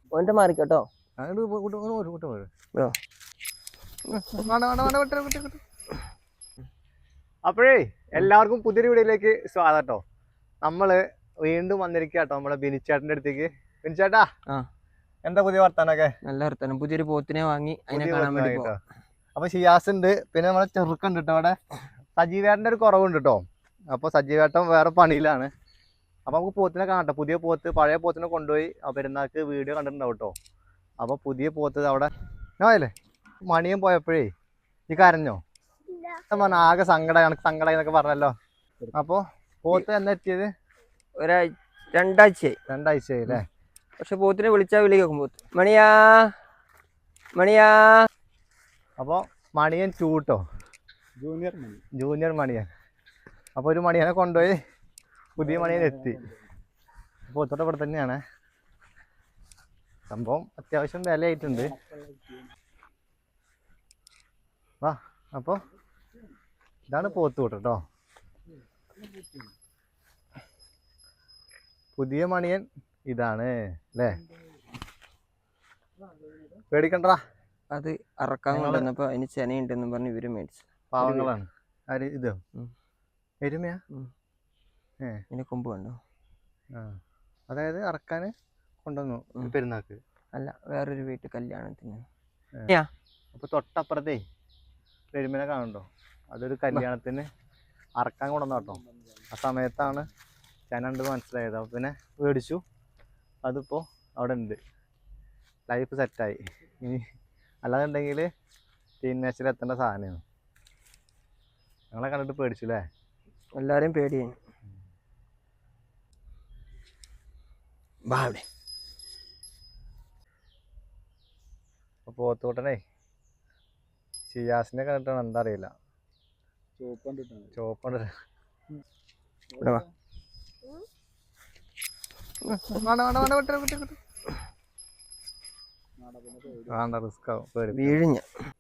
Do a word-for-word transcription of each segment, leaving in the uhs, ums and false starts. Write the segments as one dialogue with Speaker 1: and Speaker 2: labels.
Speaker 1: ഓന്റെ മാറിക്കോട്ടോ.
Speaker 2: അപ്പോഴേ എല്ലാവർക്കും പുതിയൊരു വീഡിയോയിലേക്ക് സ്വാഗതം കേട്ടോ. നമ്മള് വീണ്ടും വന്നിരിക്കുക കേട്ടോ നമ്മളെ ബിനിച്ചേട്ടന്റെ അടുത്തേക്ക്. ബിനിച്ചേട്ടാ എന്താ പുതിയ വർത്താനൊക്കെ?
Speaker 1: നല്ല വർത്താനം. പുതിയൊരു പോത്തിനെ വാങ്ങി അതിനെ കാണാൻ വേണ്ടി
Speaker 2: കേട്ടോ. അപ്പൊ ഷിയാസ് ഉണ്ട്, പിന്നെ നമ്മളെ ചെറുക്കുണ്ട് കേട്ടോ. അവിടെ സജീവേട്ടന്റെ ഒരു കുറവുണ്ട് കേട്ടോ. അപ്പൊ സജീവേട്ടൻ വേറെ പണിയിലാണ്. അപ്പൊ നമുക്ക് പോത്തിനെ കാണട്ടെ. പുതിയ പോത്ത് പഴയ പോത്തിനെ കൊണ്ടുപോയി പെരുന്നാൾക്ക് വീഡിയോ കണ്ടിട്ടുണ്ടാവും കേട്ടോ. അപ്പൊ പുതിയ പോത്ത് അവിടെ അല്ലേ മണിയും പോയപ്പോഴേ ഈ കരഞ്ഞോ? ആകെ സങ്കടം കണക്ക് സങ്കടം എന്നൊക്കെ പറഞ്ഞല്ലോ. അപ്പൊ പോത്ത് എന്നാ എത്തിയത്?
Speaker 1: ഒരാഴ്ച രണ്ടാഴ്ചയായി
Speaker 2: രണ്ടാഴ്ചയായി അല്ലേ?
Speaker 1: പക്ഷെ പോത്തിനെ വിളിച്ചാൽ വിളി കേൾക്കും. പോത്ത് മണിയാ മണിയാ.
Speaker 2: അപ്പൊ മണിയൻ ചൂട്ടോ,
Speaker 3: ജൂനിയർ മണി
Speaker 2: ജൂനിയർ മണിയൻ. അപ്പൊ ഒരു മണിയനെ കൊണ്ടുപോയി പുതിയ മണിയൻ എത്തി. പോത്തോടെ ഇവിടെ തന്നെയാണ് സംഭവം. അത്യാവശ്യം വിലയായിട്ടുണ്ട്. വാ. അപ്പൊ ഇതാണ് പോത്ത് കൂട്ട് കേട്ടോ. പുതിയ മണിയൻ ഇതാണ് അല്ലേ? പേടിക്കണ്ടാ.
Speaker 1: അത് അറക്കാൻ കൊണ്ടുവന്നപ്പോ അതിന് ചെനയുണ്ടെന്നും പറഞ്ഞ് ഇവര് മേടിച്ചു.
Speaker 2: പാവങ്ങളാണ്. ആര് ഇതോ? എരുമയാ? ഏ
Speaker 1: ഇതിന്റെ കൊമ്പ് കണ്ടോ?
Speaker 2: ആ, അതായത് അറക്കാന് കൊണ്ടുവന്നു പെരുന്നാക്ക്?
Speaker 1: അല്ല, വേറൊരു വീട്ടിൽ കല്യാണത്തിന്.
Speaker 2: അപ്പൊ തൊട്ടപ്പുറത്തേ എരുമനെ കാണുന്നുണ്ടോ? അതൊരു കല്യാണത്തിന് അറക്കാൻ കൊണ്ടുവന്ന കേട്ടോ. ആ സമയത്താണ് ചെനുണ്ട് മനസ്സിലായത്. അപ്പൊ പിന്നെ മേടിച്ചു. അതിപ്പോ അവിടെ ഉണ്ട്. ലൈഫ് സെറ്റായി. ഇനി അല്ലാന്നുണ്ടെങ്കിൽ ടീനേജിൽ എത്തേണ്ട സാധനമാണ്. ഞങ്ങളെ കണ്ടിട്ട് പേടിച്ചു അല്ലേ?
Speaker 1: എല്ലാരും പേടിയായി.
Speaker 2: അപ്പൊ പോത്തോട്ടനെ ഷിയാസിനെ കണ്ടിട്ടാണ് എന്താ അറിയില്ല. ചോപ്പണ്ട് വേണ്ട, റിസ്ക് ആവും.
Speaker 1: വീഴിഞ്ഞ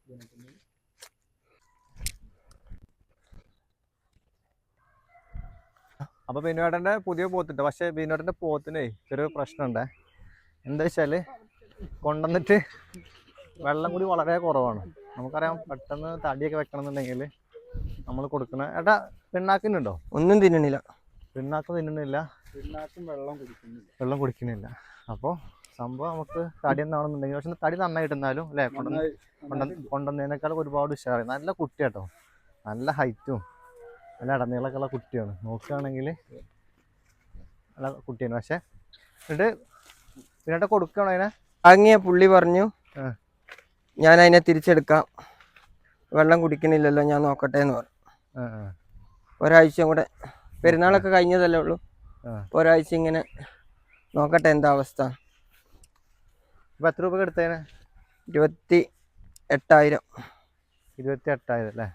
Speaker 2: അപ്പൊ ബിനുവേട്ടന്റെ പുതിയ പോത്തുണ്ട്. പക്ഷെ ബിനുവേട്ടന്റെ പോത്തിനെ ചെറിയൊരു പ്രശ്നമുണ്ടേ. എന്താ വെച്ചാല് കൊണ്ടുവന്നിട്ട് വെള്ളം കൂടി വളരെ കുറവാണ്. നമുക്കറിയാം, പെട്ടെന്ന് തടിയൊക്കെ വെക്കണം എന്നുണ്ടെങ്കിൽ നമ്മൾ കൊടുക്കണ ഏട്ടാ പിണ്ണാക്കിനുണ്ടോ?
Speaker 1: ഒന്നും തിന്നണില്ല.
Speaker 2: പിണ്ണാക്ക് തിന്നണില്ല,
Speaker 3: വെള്ളം കുടിക്കുന്നില്ല
Speaker 2: വെള്ളം കുടിക്കുന്നില്ല. അപ്പോൾ സംഭവം നമുക്ക് തടി എന്നാണെന്നുണ്ടെങ്കിൽ, പക്ഷെ തടി നന്നായിട്ട് എന്നാലും അല്ലേ കൊണ്ടുവന്ന് കൊണ്ടുവന്നതിനേക്കാൾ ഒരുപാട് ഉഷാറായി. നല്ല കുട്ടിയാട്ടോ, നല്ല ഹൈറ്റും നല്ല ഇടനീളൊക്കെ ഉള്ള കുട്ടിയാണ്. നോക്കുകയാണെങ്കിൽ നല്ല കുട്ടിയാണ്. പക്ഷെ എന്നിട്ട് പിന്നെ കൊടുക്കണോ അതിനെ?
Speaker 1: വാങ്ങിയ പുള്ളി പറഞ്ഞു ഞാൻ അതിനെ തിരിച്ചെടുക്കാം, വെള്ളം കുടിക്കണില്ലല്ലോ, ഞാൻ നോക്കട്ടെ എന്ന് പറഞ്ഞു. ഒരാഴ്ച കൂടെ, പെരുന്നാളൊക്കെ കഴിഞ്ഞതല്ലേ ഉള്ളൂ, ഒരാഴ്ച ഇങ്ങനെ നോക്കട്ടെ എന്താ അവസ്ഥ.
Speaker 2: ഇപ്പം എത്ര രൂപ എടുത്തേനെ?
Speaker 1: ഇരുപത്തി എട്ടായിരം
Speaker 2: ഇരുപത്തി എട്ടായിരം അല്ലേ?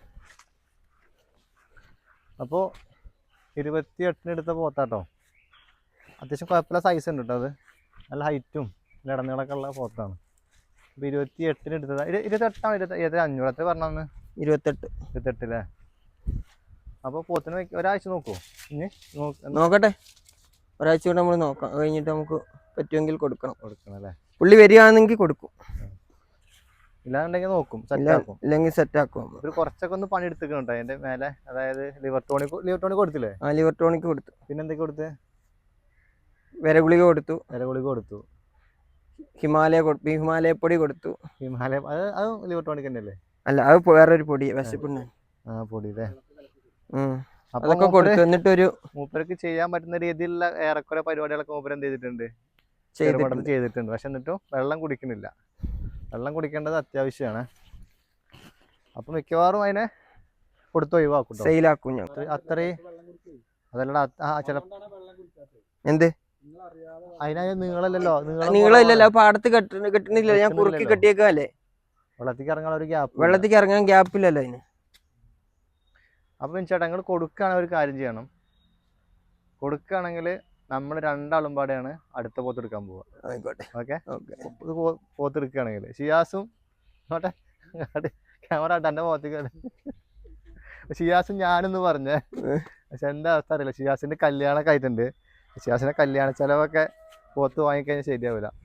Speaker 2: അപ്പോൾ ഇരുപത്തി എട്ടിന് എടുത്ത പോത്താട്ടോ. അത്യാവശ്യം കുഴപ്പമില്ല, സൈസ് ഉണ്ട് കേട്ടോ. അത് നല്ല ഹൈറ്റും നല്ല ഇടനീളൊക്കെ ഉള്ള പോത്താണ്. അപ്പോൾ ഇരുപത്തി എട്ടിന് എടുത്തത്. ഇരുപത്തെട്ടാണ് ഇരുപത്തി ഇരുപത്തി അഞ്ഞൂറ് എത്ര പറഞ്ഞാന്ന്? ഇരുപത്തെട്ട് ഇരുപത്തെട്ട് അല്ലേ? അപ്പോൾ പോത്തിന് ഒരാഴ്ച നോക്കുമോ? ഇനി
Speaker 1: നോക്കട്ടെ, ഒരാഴ്ച കൊണ്ട് നമ്മൾ നോക്കാം. കഴിഞ്ഞിട്ട് നമുക്ക് പറ്റുമെങ്കിൽ കൊടുക്കണം.
Speaker 2: കൊടുക്കണം അല്ലേ?
Speaker 1: പുള്ളി വരികയാണെങ്കിൽ കൊടുക്കും,
Speaker 2: ഇല്ലാന്നുണ്ടെങ്കിൽ നോക്കും, സെറ്റാക്കും.
Speaker 1: ഇല്ലെങ്കിൽ സെറ്റാക്കും.
Speaker 2: ഒരു കുറച്ചൊക്കെ ഒന്ന് പണി എടുത്തിട്ടുണ്ട് അതിന്റെ മേലെ. അതായത് ലിവർ ടോണിക് ലിവർ ടോണിക് കൊടുത്തില്ലേ?
Speaker 1: ആ, ലിവർ ടോണിക് കൊടുത്തു.
Speaker 2: പിന്നെ എന്തൊക്കെ കൊടുത്ത്?
Speaker 1: വിരഗുളിക കൊടുത്തു.
Speaker 2: വിരഗുളിക കൊടുത്തു.
Speaker 1: ഹിമാലയ ഹിമാലയ പൊടി കൊടുത്തു.
Speaker 2: ഹിമാലയ അത് അത് ലിവർ ടോണിക് തന്നെ അല്ലേ?
Speaker 1: അല്ല, അത് വേറൊരു പൊടി, വിശപ്പുണ്ട്.
Speaker 2: ആ പൊടി അല്ലേ?
Speaker 1: അതൊക്കെ കൊടുത്തു. എന്നിട്ടൊരു
Speaker 2: മൂപ്പർക്ക് ചെയ്യാൻ പറ്റുന്ന രീതിയിലുള്ള ഏറെക്കുറെ പരിപാടികളൊക്കെ മൂപ്പർ എന്ത് ചെയ്തിട്ടുണ്ട്? ചെയ്തിട്ടുണ്ട്. പക്ഷെ എന്നിട്ടും വെള്ളം കുടിക്കുന്നില്ല. വെള്ളം കുടിക്കേണ്ടത് അത്യാവശ്യമാണ്. അപ്പൊ മിക്കവാറും അതിനെ കൊടുത്ത് ഒഴിവാക്കും,
Speaker 1: സെയിലാക്കും ഞാൻ.
Speaker 2: അത്രയും അതല്ലടാ. ചില
Speaker 1: എന്ത്
Speaker 2: അതിനായ നീളല്ലല്ലോ,
Speaker 1: നീളമില്ലല്ലോ, പാടത്ത് കെട്ട കെട്ടണില്ലല്ലോ, ഞാൻ കുറുക്കി കെട്ടിയേക്കല്ലേ.
Speaker 2: വെള്ളത്തിക്ക് ഇറങ്ങാൻ ഒരു ഗ്യാപ്പ്,
Speaker 1: വെള്ളത്തിക്ക് ഇറങ്ങാൻ ഗ്യാപ്പില്ലല്ലോ അതിന്.
Speaker 2: അപ്പൊ ചേട്ടാ നിങ്ങൾ കൊടുക്കുകയാണെങ്കിൽ ഒരു കാര്യം ചെയ്യണം. കൊടുക്കുകയാണെങ്കിൽ നമ്മൾ രണ്ടാളും പാടെയാണ് അടുത്ത പോത്തെടുക്കാൻ പോവുക.
Speaker 1: ആയിക്കോട്ടെ,
Speaker 2: ഓക്കെ? ഇത് പോത്തെടുക്കുകയാണെങ്കിൽ ഷിയാസും ക്യാമറ ആട്ടെ എൻ്റെ പോത്തേക്ക്. ഷിയാസും ഞാനെന്ന് പറഞ്ഞേ. പക്ഷെ എൻ്റെ അവസ്ഥ അറിയില്ല. ഷിയാസിന്റെ കല്യാണമൊക്കെ ആയിട്ടുണ്ട്. ഷിയാസിന്റെ കല്യാണ ചെലവൊക്കെ പോത്ത് വാങ്ങിക്കഴിഞ്ഞാൽ ശരിയാവില്ല.